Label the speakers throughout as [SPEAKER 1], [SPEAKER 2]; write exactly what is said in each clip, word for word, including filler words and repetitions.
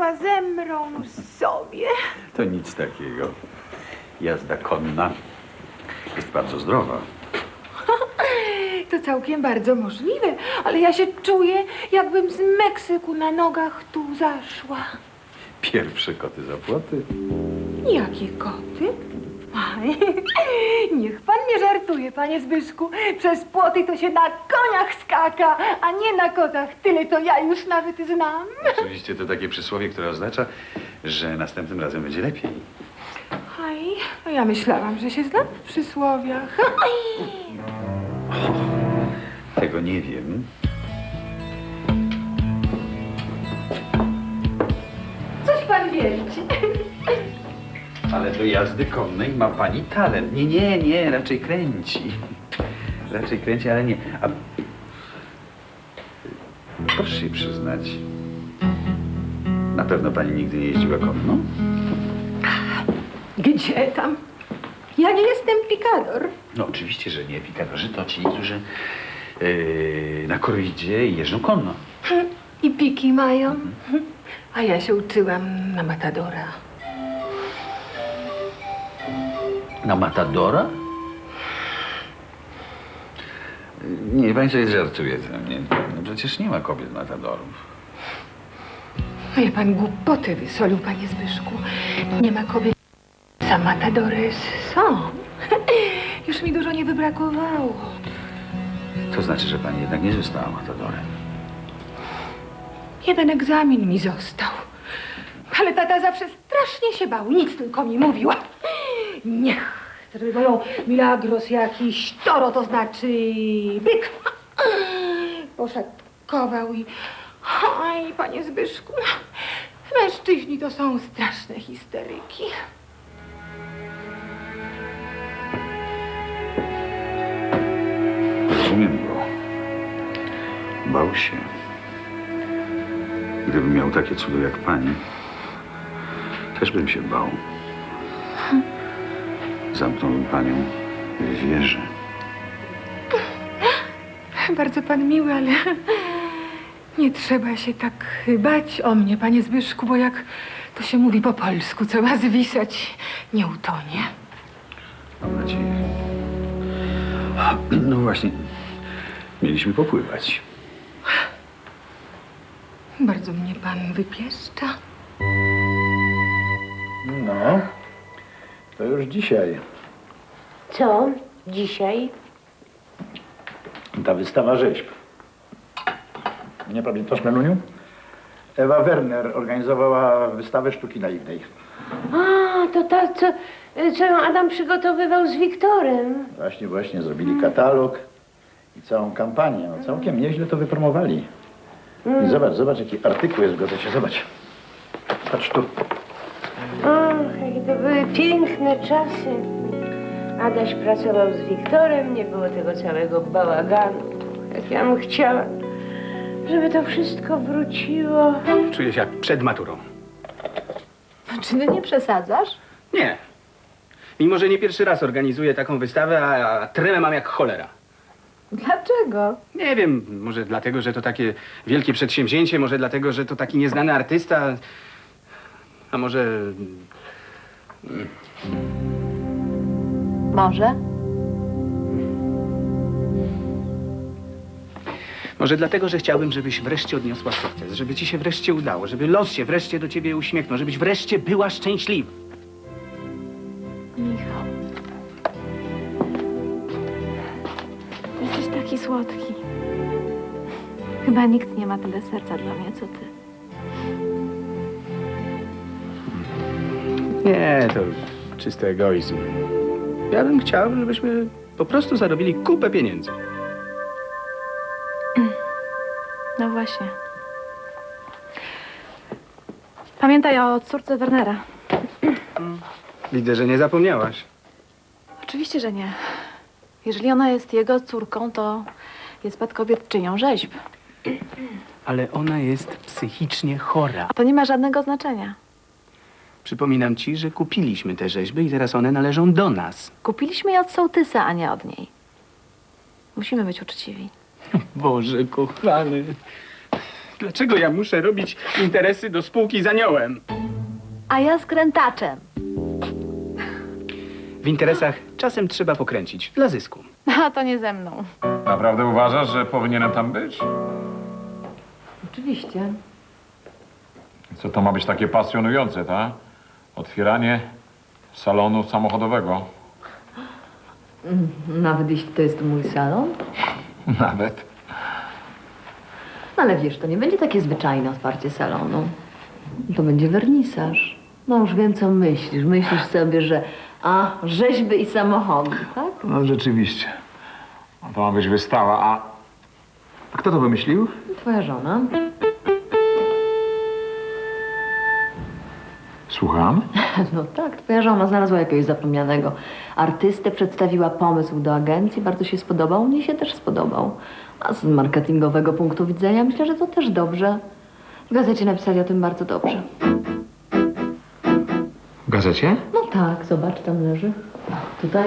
[SPEAKER 1] chyba zemrą sobie.
[SPEAKER 2] To nic takiego. Jazda konna jest bardzo zdrowa.
[SPEAKER 1] To całkiem bardzo możliwe, ale ja się czuję, jakbym z Meksyku na nogach tu zaszła.
[SPEAKER 2] Pierwsze koty za płoty.
[SPEAKER 1] Jakie koty? Aj, niech pan nie żartuje, panie Zbyszku. Przez płoty to się na koniach skaka, a nie na kotach. Tyle to ja już nawet znam.
[SPEAKER 2] Oczywiście to takie przysłowie, które oznacza, że następnym razem będzie lepiej.
[SPEAKER 1] Aj, a ja myślałam, że się znam w przysłowiach. Aj.
[SPEAKER 2] Tego nie wiem.
[SPEAKER 1] Coś pan wierci.
[SPEAKER 2] Ale do jazdy konnej ma pani talent. Nie, nie, nie, raczej kręci. Raczej kręci, ale nie. A... Proszę się przyznać. Na pewno pani nigdy nie jeździła konno?
[SPEAKER 1] Gdzie tam? Ja nie jestem pikador.
[SPEAKER 2] No oczywiście, że nie. Pikadorzy to ci, którzy yy, na korridzie jeżdżą konno.
[SPEAKER 1] I piki mają. A ja się uczyłam na matadora.
[SPEAKER 2] Na matadora? Nie, pani sobie żartuje ze mnie. No przecież nie ma kobiet matadorów.
[SPEAKER 1] Ale pan głupoty wysolił, panie Zbyszku. Nie ma kobiet. Za matadory są. Już mi dużo nie wybrakowało.
[SPEAKER 2] To znaczy, że pani jednak nie została matadorem.
[SPEAKER 1] Jeden egzamin mi został. Ale tata zawsze strasznie się bał. Nic tylko mi mówiła. Niech zrobią milagros jakiś toro, to znaczy byk. Poszatkował i... Oj, panie Zbyszku, mężczyźni to są straszne histeryki.
[SPEAKER 2] Rozumiem go. Bał się. Gdybym miał takie cudo jak pani, też bym się bał. Zamknąłbym panią w wieży.
[SPEAKER 1] Bardzo pan miły, ale nie trzeba się tak bać o mnie, panie Zbyszku, bo jak to się mówi po polsku, co ma zwisać, nie utonie.
[SPEAKER 2] Mam nadzieję. No właśnie, mieliśmy popływać.
[SPEAKER 1] Bardzo mnie pan wypieszcza.
[SPEAKER 3] No, to już dzisiaj.
[SPEAKER 4] Co? Dzisiaj?
[SPEAKER 3] Ta wystawa rzeźb. Nie pamiętasz, Meluniu? Ewa Werner organizowała wystawę sztuki naiwnej.
[SPEAKER 4] A, to ta, co, co ją Adam przygotowywał z Wiktorem.
[SPEAKER 3] Właśnie, właśnie, zrobili katalog i całą kampanię. No, całkiem nieźle to wypromowali. I zobacz, zobacz, jaki artykuł jest w gazecie, zobacz. Patrz tu.
[SPEAKER 4] Ach, jakie to były piękne czasy. Adaś pracował z Wiktorem, nie było tego całego bałaganu. Jak ja bym chciała, żeby to wszystko wróciło.
[SPEAKER 5] Czuję się jak przed maturą.
[SPEAKER 1] Czy ty nie przesadzasz?
[SPEAKER 5] Nie. Mimo, że nie pierwszy raz organizuję taką wystawę, a, a tremę mam jak cholera.
[SPEAKER 1] Dlaczego?
[SPEAKER 5] Nie wiem, może dlatego, że to takie wielkie przedsięwzięcie, może dlatego, że to taki nieznany artysta, a może...
[SPEAKER 1] Może?
[SPEAKER 5] Może dlatego, że chciałbym, żebyś wreszcie odniosła sukces, żeby ci się wreszcie udało, żeby los się wreszcie do ciebie uśmiechnął, żebyś wreszcie była szczęśliwa.
[SPEAKER 6] Michał. Jesteś taki słodki. Chyba nikt nie ma tyle serca dla mnie, co ty.
[SPEAKER 5] Nie, to czysty egoizm. Ja bym chciał, żebyśmy po prostu zarobili kupę pieniędzy.
[SPEAKER 6] No właśnie. Pamiętaj o córce Wernera.
[SPEAKER 5] Widzę, że nie zapomniałaś.
[SPEAKER 6] Oczywiście, że nie. Jeżeli ona jest jego córką, to jest spadkobierczynią rzeźb.
[SPEAKER 5] Ale ona jest psychicznie chora.
[SPEAKER 6] A to nie ma żadnego znaczenia.
[SPEAKER 5] Przypominam ci, że kupiliśmy te rzeźby i teraz one należą do nas.
[SPEAKER 6] Kupiliśmy je od sołtysa, a nie od niej. Musimy być uczciwi.
[SPEAKER 5] Boże kochany. Dlaczego ja muszę robić interesy do spółki z aniołem?
[SPEAKER 6] A ja z krętaczem.
[SPEAKER 5] W interesach czasem trzeba pokręcić, dla zysku.
[SPEAKER 6] A to nie ze mną.
[SPEAKER 7] Naprawdę uważasz, że powinienem tam być?
[SPEAKER 8] Oczywiście.
[SPEAKER 7] Co to ma być takie pasjonujące, tak? Otwieranie salonu samochodowego.
[SPEAKER 8] Nawet jeśli to jest mój salon.
[SPEAKER 7] Nawet.
[SPEAKER 8] No ale wiesz, to nie będzie takie zwyczajne otwarcie salonu. To będzie wernisaż. No już wiem, co myślisz. Myślisz sobie, że a, rzeźby i samochody, tak?
[SPEAKER 7] No rzeczywiście. To ma być wystawa, a... a kto to wymyślił?
[SPEAKER 8] Twoja żona.
[SPEAKER 7] Słucham?
[SPEAKER 8] No tak, twoja żona znalazła jakiegoś zapomnianego artystę, przedstawiła pomysł do agencji, bardzo się spodobał, mnie się też spodobał. A z marketingowego punktu widzenia myślę, że to też dobrze. W gazecie napisali o tym bardzo dobrze.
[SPEAKER 7] W gazecie?
[SPEAKER 8] No tak, zobacz, tam leży. Tutaj.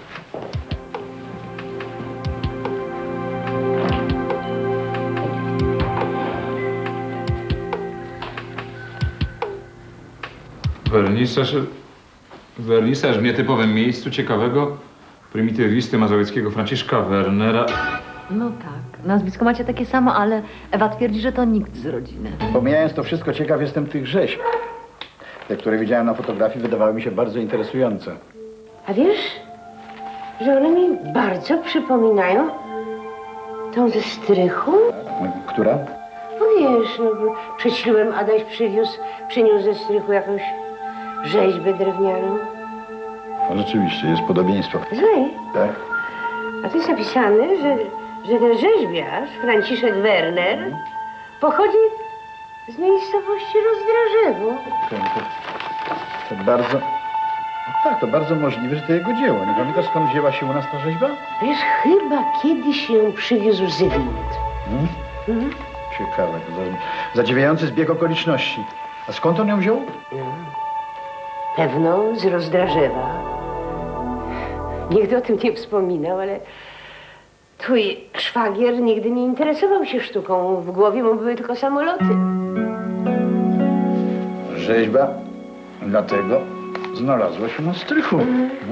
[SPEAKER 7] Wernisaż... Wernisaż w nietypowym miejscu ciekawego prymitywisty mazowieckiego Franciszka Wernera.
[SPEAKER 8] No tak, nazwisko macie takie samo, ale Ewa twierdzi, że to nikt z rodziny.
[SPEAKER 3] Pomijając to wszystko, ciekaw jestem tych rzeźb. Te, które widziałem na fotografii, wydawały mi się bardzo interesujące.
[SPEAKER 4] A wiesz, że one mi bardzo przypominają tą ze strychu?
[SPEAKER 3] Która?
[SPEAKER 4] No wiesz, no, bo przed ślubem Adaś przywiózł, przyniósł ze strychu jakąś rzeźbę drewnianą.
[SPEAKER 3] No, rzeczywiście, jest podobieństwo.
[SPEAKER 4] Złej.
[SPEAKER 3] Tak?
[SPEAKER 4] A tu jest napisane, że, że ten rzeźbiarz, Franciszek Werner, pochodzi z miejscowości Rozdrażewo.
[SPEAKER 3] To, to, to bardzo... No tak, to bardzo możliwe, że to jego dzieło. Nie pamiętasz, skąd wzięła się u nas ta rzeźba?
[SPEAKER 4] Wiesz, chyba kiedyś ją przywiózł Zygmunt.
[SPEAKER 3] Hmm?
[SPEAKER 4] Mhm.
[SPEAKER 3] Ciekawe. To za, zadziwiający zbieg okoliczności. A skąd on ją wziął?
[SPEAKER 4] Pewno z Rozdrażewa. Nigdy o tym nie wspominał, ale twój szwagier nigdy nie interesował się sztuką. W głowie mu były tylko samoloty.
[SPEAKER 3] Rzeźba dlatego znalazła się na strychu. No.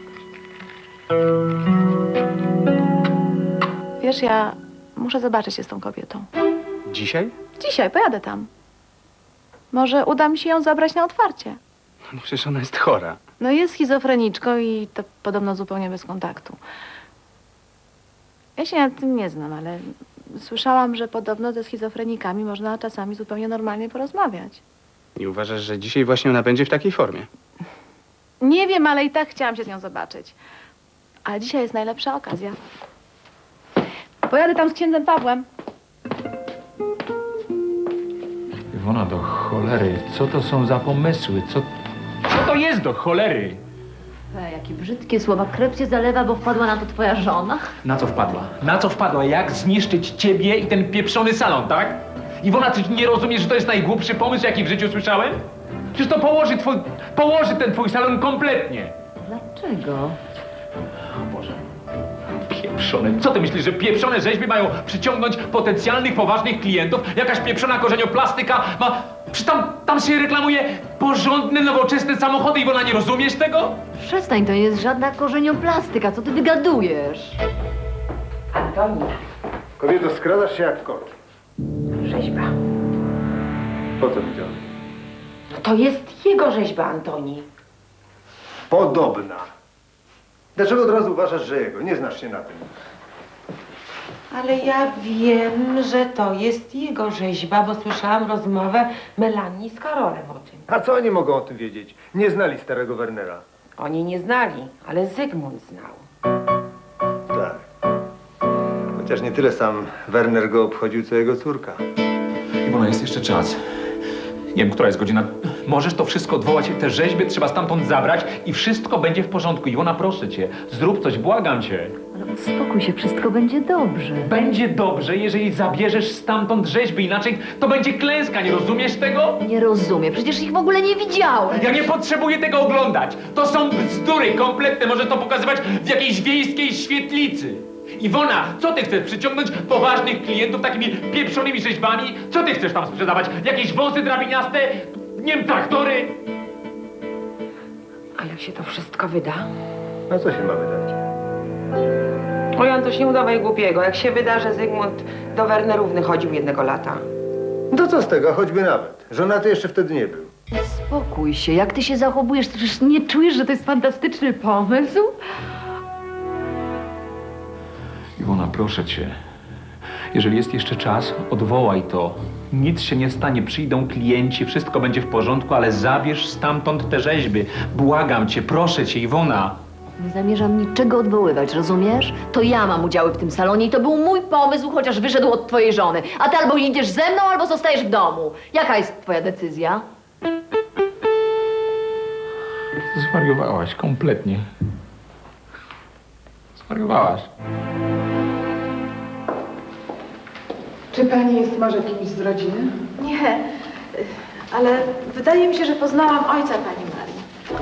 [SPEAKER 6] Wiesz, ja muszę zobaczyć się z tą kobietą.
[SPEAKER 5] Dzisiaj?
[SPEAKER 6] Dzisiaj pojadę tam. Może uda mi się ją zabrać na otwarcie.
[SPEAKER 5] No przecież ona jest chora.
[SPEAKER 6] No jest schizofreniczką i to podobno zupełnie bez kontaktu. Ja się nad tym nie znam, ale słyszałam, że podobno ze schizofrenikami można czasami zupełnie normalnie porozmawiać.
[SPEAKER 5] Nie uważasz, że dzisiaj właśnie ona będzie w takiej formie?
[SPEAKER 6] Nie wiem, ale i tak chciałam się z nią zobaczyć. Ale dzisiaj jest najlepsza okazja. Pojadę tam z księdzem Pawłem.
[SPEAKER 7] Iwona, do cholery, co to są za pomysły? Co, co to jest do cholery?
[SPEAKER 8] E, jakie brzydkie słowa. Krew cię zalewa, bo wpadła na to twoja żona.
[SPEAKER 9] Na co wpadła? Na co wpadła? Jak zniszczyć ciebie i ten pieprzony salon, tak? Iwona, ty nie rozumiesz, że to jest najgłupszy pomysł, jaki w życiu słyszałem? Przecież to położy twój, położy ten twój salon kompletnie.
[SPEAKER 8] Dlaczego?
[SPEAKER 9] O Boże. Pieprzone. Co ty myślisz, że pieprzone rzeźby mają przyciągnąć potencjalnych, poważnych klientów? Jakaś pieprzona korzenioplastyka ma... Przecież tam, tam się reklamuje porządne, nowoczesne samochody. Iwona, nie rozumiesz tego?
[SPEAKER 8] Przestań, to nie jest żadna korzenioplastyka. Co ty wygadujesz?
[SPEAKER 4] Antoni,
[SPEAKER 3] Kobieto, skradasz się jak kot.
[SPEAKER 4] rzeźba.
[SPEAKER 3] Po co widziałeś?
[SPEAKER 4] No to jest jego rzeźba, Antoni.
[SPEAKER 10] Podobna. Dlaczego od razu uważasz, że jego? Nie znasz się na tym.
[SPEAKER 11] Ale ja wiem, że to jest jego rzeźba, bo słyszałam rozmowę Melanii z Karolem o tym.
[SPEAKER 10] A co oni mogą o tym wiedzieć? Nie znali starego Wernera.
[SPEAKER 11] Oni nie znali, ale Zygmunt znał.
[SPEAKER 10] Tak. Chociaż nie tyle sam Werner go obchodził, co jego córka.
[SPEAKER 9] Iwona, jest jeszcze czas. Nie wiem, która jest godzina. Możesz to wszystko odwołać, te rzeźby trzeba stamtąd zabrać i wszystko będzie w porządku. Iwona, proszę cię, zrób coś, błagam cię.
[SPEAKER 8] Ale uspokój się, wszystko będzie dobrze.
[SPEAKER 9] Będzie dobrze, jeżeli zabierzesz stamtąd rzeźby, inaczej to będzie klęska, nie rozumiesz tego?
[SPEAKER 8] Nie rozumiem, przecież ich w ogóle nie widziałem.
[SPEAKER 9] Ja nie potrzebuję tego oglądać. To są bzdury kompletne, może to pokazywać w jakiejś wiejskiej świetlicy. Iwona, co ty chcesz? Przyciągnąć poważnych klientów takimi pieprzonymi rzeźbami? Co ty chcesz tam sprzedawać? Jakieś wąsy drabiniaste? Nie wiem, traktory?
[SPEAKER 11] A jak się to wszystko wyda?
[SPEAKER 10] A co się ma wydać?
[SPEAKER 11] Oj, Antoś, nie udawaj głupiego. Jak się wyda, że Zygmunt do Wernerówny chodził jednego lata.
[SPEAKER 10] No co z tego, choćby nawet. Żonaty jeszcze wtedy nie był.
[SPEAKER 8] Spokój się, jak ty się zachowujesz, to przecież nie czujesz, że to jest fantastyczny pomysł?
[SPEAKER 7] Iwona, proszę cię. Jeżeli jest jeszcze czas, odwołaj to. Nic się nie stanie, przyjdą klienci, wszystko będzie w porządku, ale zabierz stamtąd te rzeźby. Błagam cię, proszę cię, Iwona.
[SPEAKER 8] Nie zamierzam niczego odwoływać, rozumiesz? To ja mam udziały w tym salonie i to był mój pomysł, chociaż wyszedł od twojej żony. A ty albo idziesz ze mną, albo zostajesz w domu. Jaka jest twoja decyzja?
[SPEAKER 7] Zwariowałaś kompletnie. Zwariowałaś.
[SPEAKER 12] Czy pani jest może kimś z rodziny?
[SPEAKER 6] Nie, ale wydaje mi się, że poznałam ojca pani Marii.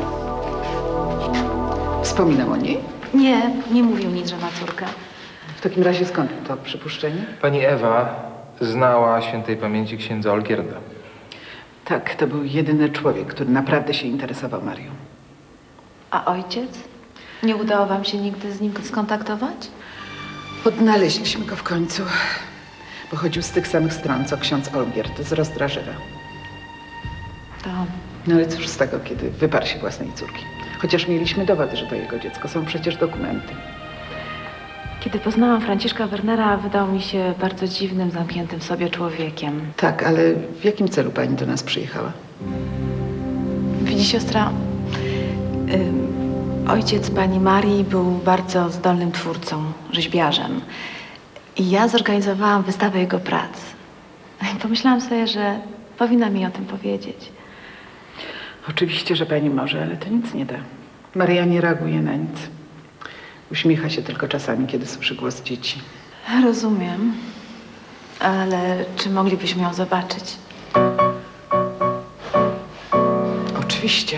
[SPEAKER 12] Wspominał o niej?
[SPEAKER 6] Nie, nie mówił nic, że ma córkę.
[SPEAKER 12] W takim razie skąd to przypuszczenie?
[SPEAKER 13] Pani Ewa znała świętej pamięci księdza Olgierda.
[SPEAKER 12] Tak, to był jedyny człowiek, który naprawdę się interesował Marią.
[SPEAKER 6] A ojciec? Nie udało wam się nigdy z nim skontaktować?
[SPEAKER 12] Odnaleźliśmy go w końcu. Pochodził z tych samych stron, co ksiądz Olgierd z Rozdrażewa.
[SPEAKER 6] To
[SPEAKER 12] No ale cóż z tego, kiedy wyparł się własnej córki. Chociaż mieliśmy dowody, że to jego dziecko. Są przecież dokumenty.
[SPEAKER 6] kiedy poznałam Franciszka Wernera, wydał mi się bardzo dziwnym, zamkniętym w sobie człowiekiem.
[SPEAKER 12] Tak, ale w jakim celu pani do nas przyjechała?
[SPEAKER 6] Widzi siostra, ym, ojciec pani Marii był bardzo zdolnym twórcą, rzeźbiarzem. I ja zorganizowałam wystawę jego prac. I pomyślałam sobie, że powinna mi o tym powiedzieć.
[SPEAKER 12] Oczywiście, że pani może, ale to nic nie da. Maria nie reaguje na nic. Uśmiecha się tylko czasami, kiedy słyszy głos dzieci.
[SPEAKER 6] Rozumiem, ale czy moglibyśmy ją zobaczyć?
[SPEAKER 12] Oczywiście.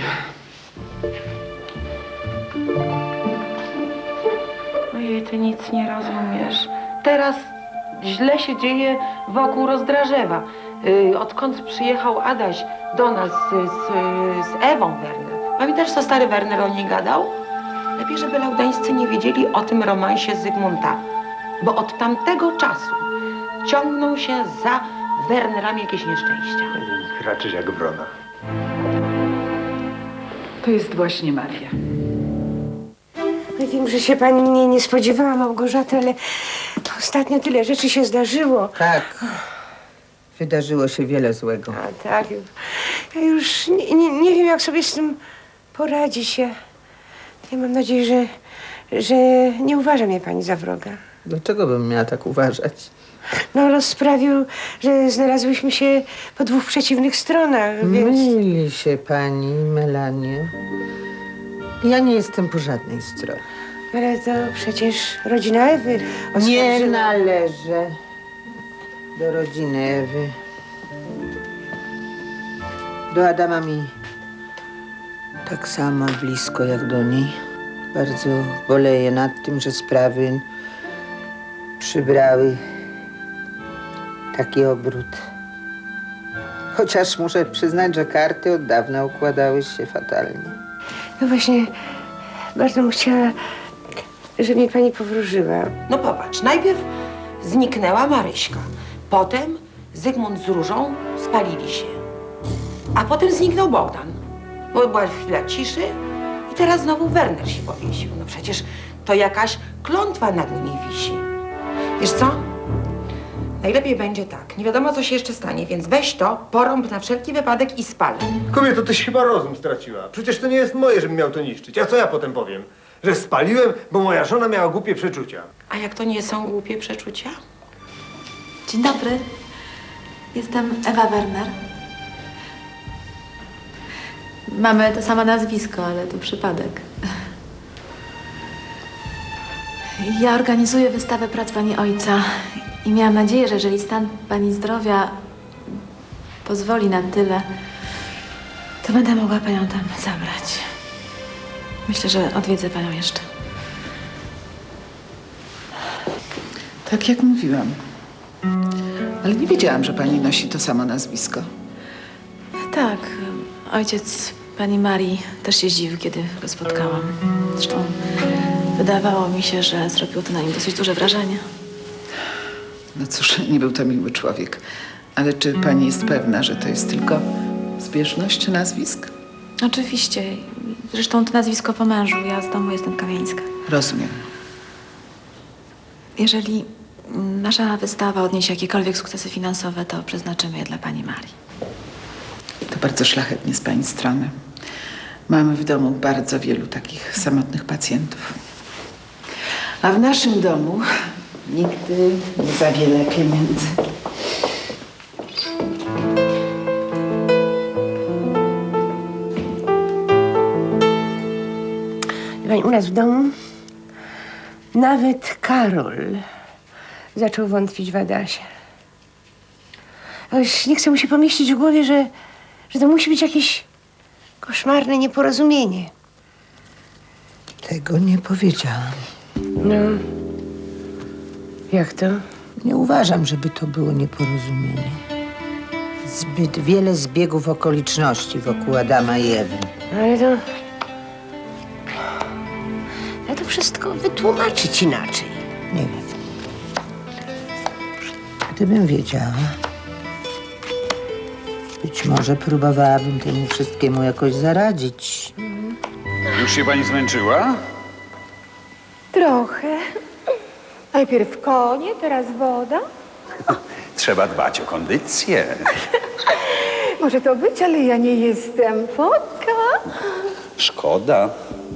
[SPEAKER 11] Ojej, ty nic nie rozumiesz. Teraz źle się dzieje wokół Rozdrażewa. Yy, odkąd przyjechał Adaś do nas z, z, z Ewą Werner. Pamiętasz, co stary Werner o niej gadał? Lepiej, żeby laudańscy nie wiedzieli o tym romansie Zygmunta. Bo od tamtego czasu ciągną się za Wernerami jakieś nieszczęścia.
[SPEAKER 10] Raczysz jak wrona.
[SPEAKER 12] To jest właśnie Maria.
[SPEAKER 4] No wiem, że się pani mnie nie spodziewała, Małgorzato, ale ostatnio tyle rzeczy się zdarzyło.
[SPEAKER 14] Tak. Wydarzyło się wiele złego.
[SPEAKER 4] A tak. Ja już nie, nie, nie wiem, jak sobie z tym poradzić. Ja, ja mam nadzieję, że, że nie uważa mnie pani za wroga.
[SPEAKER 14] Dlaczego bym miała tak uważać?
[SPEAKER 4] No, los sprawił, że znalazłyśmy się po dwóch przeciwnych stronach, więc...
[SPEAKER 14] Myli się pani, Melanie. Ja nie jestem po żadnej stronie.
[SPEAKER 4] Ale to przecież rodzina Ewy
[SPEAKER 14] Nie
[SPEAKER 4] oskarżyła-
[SPEAKER 14] należę do rodziny Ewy. Do Adama mi tak samo blisko jak do niej. Bardzo boleję nad tym, że sprawy przybrały taki obrót. Chociaż muszę przyznać, że karty od dawna układały się fatalnie.
[SPEAKER 4] No właśnie, bardzo bym chciała, żeby mnie pani powróżyła.
[SPEAKER 11] No popatrz, najpierw zniknęła Maryśka. Potem Zygmunt z Różą spalili się. A potem zniknął Bogdan. Bo była chwila ciszy i teraz znowu Werner się powiesił. No przecież to jakaś klątwa nad nimi wisi. Wiesz co? Najlepiej będzie tak. Nie wiadomo, co się jeszcze stanie, więc weź to, porąb na wszelki wypadek i spal.
[SPEAKER 10] Kobieto, tyś chyba rozum straciła. Przecież to nie jest moje, żebym miał to niszczyć. A co ja potem powiem? Że spaliłem, bo moja żona miała głupie przeczucia.
[SPEAKER 11] A jak to nie są głupie przeczucia?
[SPEAKER 6] Dzień dobry. Jestem Ewa Werner. Mamy to samo nazwisko, ale to przypadek. Ja organizuję wystawę prac pani ojca i miałam nadzieję, że jeżeli stan pani zdrowia pozwoli na tyle, to będę mogła panią tam zabrać. Myślę, że odwiedzę panią jeszcze.
[SPEAKER 12] Tak jak mówiłam. Ale nie wiedziałam, że pani nosi to samo nazwisko.
[SPEAKER 6] Tak, ojciec pani Marii też się zdziwił, kiedy go spotkałam. Zresztą wydawało mi się, że zrobiło to na nim dosyć duże wrażenie.
[SPEAKER 12] No cóż, nie był to miły człowiek. Ale czy pani jest pewna, że to jest tylko zbieżność nazwisk?
[SPEAKER 6] Oczywiście. Zresztą to nazwisko po mężu. Ja z domu jestem Kamińska.
[SPEAKER 12] Rozumiem.
[SPEAKER 6] Jeżeli nasza wystawa odniesie jakiekolwiek sukcesy finansowe, to przeznaczymy je dla pani Marii.
[SPEAKER 12] To bardzo szlachetnie z pani strony. Mamy w domu bardzo wielu takich samotnych pacjentów. A w naszym domu nigdy nie za wiele pieniędzy.
[SPEAKER 4] Pani, u nas w domu nawet Karol zaczął wątpić w Adasia. A już nie chce mu się pomieścić w głowie, że, że to musi być jakieś koszmarne nieporozumienie.
[SPEAKER 14] Tego nie powiedziałam.
[SPEAKER 4] No, jak to?
[SPEAKER 14] Nie uważam, żeby to było nieporozumienie. Zbyt wiele zbiegów okoliczności wokół Adama i Ewy.
[SPEAKER 4] Ale to... Ja to wszystko wytłumaczyć inaczej.
[SPEAKER 14] Nie wiem. Gdybym wiedziała, być może próbowałabym temu wszystkiemu jakoś zaradzić.
[SPEAKER 2] Już się pani zmęczyła?
[SPEAKER 1] Trochę. Najpierw konie, teraz woda.
[SPEAKER 2] Trzeba dbać o kondycję.
[SPEAKER 1] Może to być, ale ja nie jestem fotka.
[SPEAKER 2] Szkoda.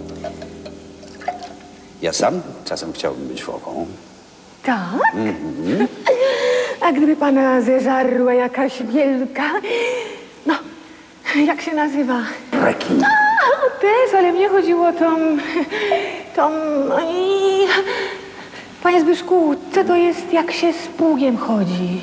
[SPEAKER 2] Ja sam czasem chciałbym być foką.
[SPEAKER 1] Tak?
[SPEAKER 2] Mhm.
[SPEAKER 1] A gdyby pana zeżarła jakaś wielka... No, jak się nazywa?
[SPEAKER 2] Rekin.
[SPEAKER 1] A, też, ale mnie chodziło o tą... tą... i- Panie Zbyszku, co to jest, jak się z pługiem chodzi?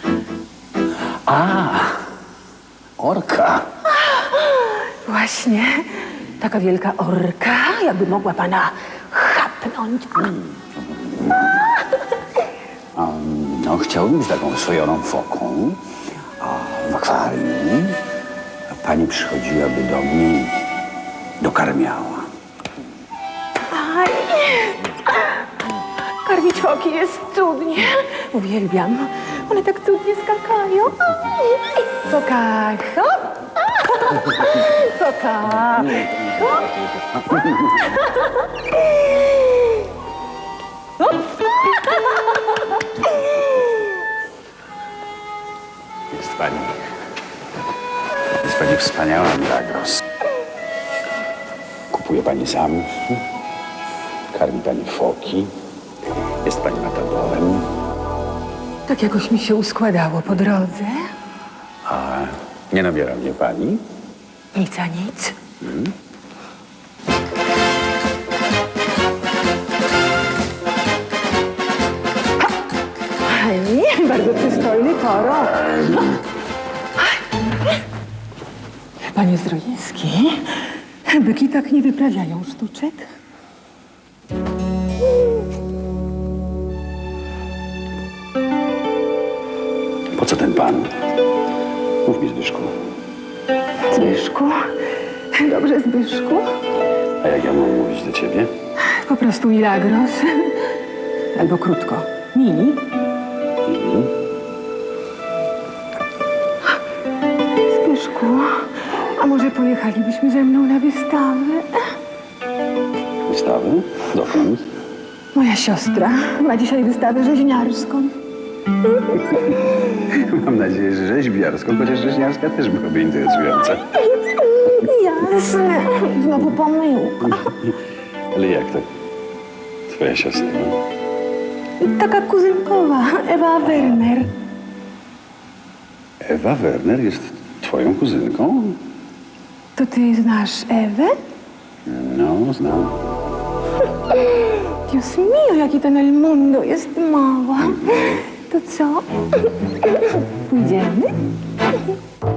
[SPEAKER 2] A, orka.
[SPEAKER 1] Właśnie. Taka wielka orka, jakby mogła pana chapnąć.
[SPEAKER 2] Um, no, chciałbym być taką swojoną foką. A w akwarium pani przychodziłaby do mnie i dokarmiała.
[SPEAKER 1] Aj. Karmić foki jest cudnie. Uwielbiam. One tak cudnie skakają. Foka, hop. Foka, hop. Hop.
[SPEAKER 2] Jest pani... Jest pani wspaniała, Milagros. Kupuje pani zamki, karmi pani foki, jest pani matadorem.
[SPEAKER 1] Tak jakoś mi się uskładało po drodze.
[SPEAKER 2] A nie nabiera mnie pani?
[SPEAKER 1] Nic a nic.
[SPEAKER 2] Hmm?
[SPEAKER 1] Aj, bardzo przystojny toro. Panie Zdroiński, byki tak nie wyprawiają sztuczek.
[SPEAKER 2] Po co ten pan? Mów mi, Zbyszku.
[SPEAKER 1] Zbyszku, dobrze Zbyszku.
[SPEAKER 2] A jak ja mam mówić do ciebie?
[SPEAKER 1] Po prostu Milagros. Albo krótko. Mini.
[SPEAKER 2] Mhm.
[SPEAKER 1] Zbyszku, a może pojechalibyśmy ze mną na wystawę?
[SPEAKER 2] Wystawy? Dokąd?
[SPEAKER 1] Moja siostra ma dzisiaj wystawę rzeźniarską.
[SPEAKER 2] Mam nadzieję, że rzeźbiarską, chociaż rzeźniarska też byłaby interesująca.
[SPEAKER 1] Jasne. Znowu pomyłka.
[SPEAKER 2] Ale jak to? Twoja siostra?
[SPEAKER 1] Taka kuzynkowa, Ewa Werner.
[SPEAKER 2] Ewa Werner jest twoją kuzynką?
[SPEAKER 1] To ty znasz Ewę?
[SPEAKER 2] No, znam.
[SPEAKER 1] Dios mio, jaki ten El Mundo jest mała. To co? Pójdziemy?